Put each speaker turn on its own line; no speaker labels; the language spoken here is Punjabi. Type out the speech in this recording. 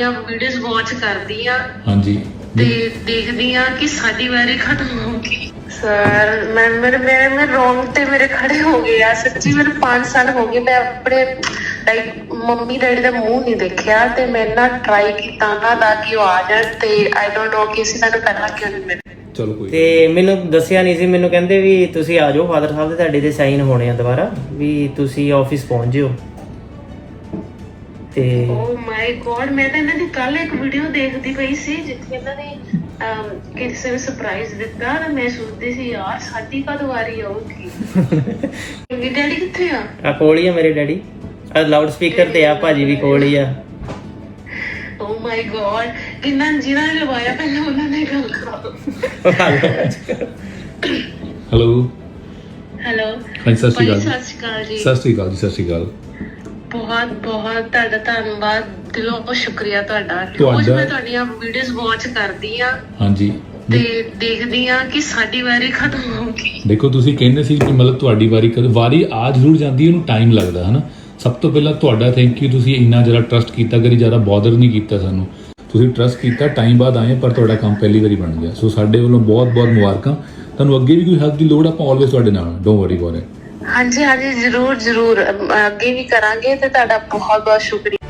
ਤੁਹਾਡੀਆਂ ਵੀਡੀਓਜ਼ ਵਾਚ ਕਰਦੀ ਆ
ਹਾਂਜੀ
ਤੇ ਦੇਖਦੀ ਆ ਕਿ ਸਾਡੀ ਵਾਰੀ ਖਤਮ ਹੋ ਗਈ। ਸਰ ਮੈਂ ਰੋਂਗ ਤੇ ਮੇਰੇ ਖੜੇ ਹੋ ਗਏ ਆ ਸੱਚੀ। ਮੇਰੇ 5 ਸਾਲ ਹੋ ਗਏ ਮੈਂ ਆਪਣੇ ਲਾਈਕ ਮੰਮੀ ਡੈਡੀ ਦਾ ਮੂੰਹ ਨਹੀਂ ਦੇਖਿਆ ਤੇ ਮੈਂ ਨਾ ਟਰਾਈ ਕੀਤਾ ਉਹਨਾਂ ਦਾ ਕਿ ਉਹ ਆ ਜਾਣ ਤੇ ਆਈ ਡੋਨਟ ਨੋ ਕਿ ਅਸੀਂ ਤੁਹਾਨੂੰ ਪਹਿਲਾਂ ਕਿਉਂ ਨਹੀਂ ਮਿਲੇ।
ਚਲੋ ਕੋਈ
ਤੇ ਮੈਨੂੰ ਦੱਸਿਆ ਨਹੀਂ ਸੀ, ਮੈਨੂੰ ਕਹਿੰਦੇ ਵੀ ਤੁਸੀਂ ਆ ਜਾਓ ਫਾਦਰ ਸਾਹਿਬ ਦੇ ਤੁਹਾਡੇ ਤੇ ਸਾਈਨ ਹੋਣੇ ਆ ਦੁਬਾਰਾ, ਵੀ ਤੁਸੀਂ ਆਫਿਸ ਪਹੁੰਚ ਜਿਓ। ਤੇ
ਓ ਮਾਈ ਗॉड, ਮੈਂ ਤਾਂ ਇਹਨਾਂ ਦੀ ਕੱਲ ਇੱਕ ਵੀਡੀਓ ਦੇਖਦੀ ਪਈ ਸੀ ਜਿੱਥੇ ਇਹਨਾਂ ਨੇ ਕਿਸੇ ਨੂੰ ਸਰਪ੍ਰਾਈਜ਼ ਦਿੱਤਾ ਤੇ ਮੈਂ ਸੋਚਦੀ ਸੀ ਯਾਰ ਸਾਡੀ ਕਦ ਵਾਰੀ ਆਊਗੀ। ਮੇਰੇ ਡੈਡੀ ਕਿੱਥੇ ਆ?
ਆ ਕੋਲ ਹੀ ਆ ਮੇਰੇ ਡੈਡੀ, ਆ ਲਾਊਡ ਸਪੀਕਰ ਤੇ ਆ, ਭਾਜੀ ਵੀ ਕੋਲ ਹੀ ਆ।
ਓ ਮਾਈ ਗॉड, ਕਿੰਨਾ ਜਿਹਨਾਂ ਨੇ ਲਵਾਇਆ ਪਹਿਲਾਂ ਉਹਨਾਂ ਨੇ ਗੱਲ ਕਰਾਓ।
ਹੈਲੋ
ਹੈਲੋ
ਹਾਂਜੀ ਸਤਿ ਸ਼੍ਰੀ ਅਕਾਲ
ਸਤਿ ਸ਼੍ਰੀ ਅਕਾਲ ਜੀ।
ਸਤਿ ਸ਼੍ਰੀ ਅਕਾਲ ਜੀ। ਸਤਿ ਸ਼੍ਰੀ ਅਕਾਲ।
ਬਹੁਤ ਬਹੁਤ ਤੁਹਾਡਾ ਧੰਨਵਾਦ, ਦਿਲੋਂ ਬਹੁਤ ਸ਼ੁਕਰੀਆ ਤੁਹਾਡਾ। ਰੋਜ਼
ਤੁਹਾਡਾ-
ਮੈਂ ਤੁਹਾਡੀਆਂ ਵੀਡੀਓਜ਼ ਵਾਚ ਕਰਦੀ ਆ
ਹਾਂਜੀ
ਤੇ ਦੇਖਦੀ ਆ ਕਿ ਸਾਡੀ ਵਾਰੀ ਖਤਮ ਹੋ ਗਈ।
ਦੇਖੋ ਤੁਸੀਂ ਕਹਿੰਦੇ ਸੀ ਕਿ ਮਤਲਬ ਤੁਹਾਡੀ ਵਾਰੀ ਕਦੋਂ ਵਾਰੀ ਆ ਜ਼ਰੂਰ ਜਾਂਦੀ ਹੈ, ਉਹਨੂੰ ਟਾਈਮ ਲੱਗਦਾ ਹਨਾ। ਸਭ ਤੋਂ ਪਹਿਲਾਂ ਤੁਹਾਡਾ ਥੈਂਕ ਯੂ, ਤੁਸੀਂ ਇੰਨਾ ਜ਼ਿਆਦਾ ਟਰਸਟ ਕੀਤਾ, ਕਰੀ ਜ਼ਿਆਦਾ ਬੋਦਰ ਨਹੀਂ ਕੀਤਾ ਸਾਨੂੰ। ਤੁਸੀਂ ਟਰਸਟ ਕੀਤਾ, ਟਾਈਮ ਬਾਅਦ ਆਏ ਪਰ ਤੁਹਾਡਾ ਕੰਮ ਪਹਿਲੀ ਵਾਰੀ ਬਣ ਗਿਆ। ਸੋ ਸਾਡੇ ਵੱਲੋਂ ਬਹੁਤ ਬਹੁਤ ਮੁਬਾਰਕਾਂ। ਤੁਹਾਨੂੰ ਅੱਗੇ ਵੀ ਕੋਈ ਹੈਲਪ ਦੀ ਲੋੜ ਆਪਾਂ ਆਲਵੇਜ਼ ਤੁਹਾਡੇ ਨਾਲ, ਡੋਂਟ ਵਰੀ ਅਬਾਊਟ ਇਟ।
ਹਾਂਜੀ ਹਾਂਜੀ ਜ਼ਰੂਰ ਜ਼ਰੂਰ ਅੱਗੇ ਵੀ ਕਰਾਂਗੇ ਤੇ ਤੁਹਾਡਾ ਬਹੁਤ ਬਹੁਤ ਸ਼ੁਕਰੀਆ।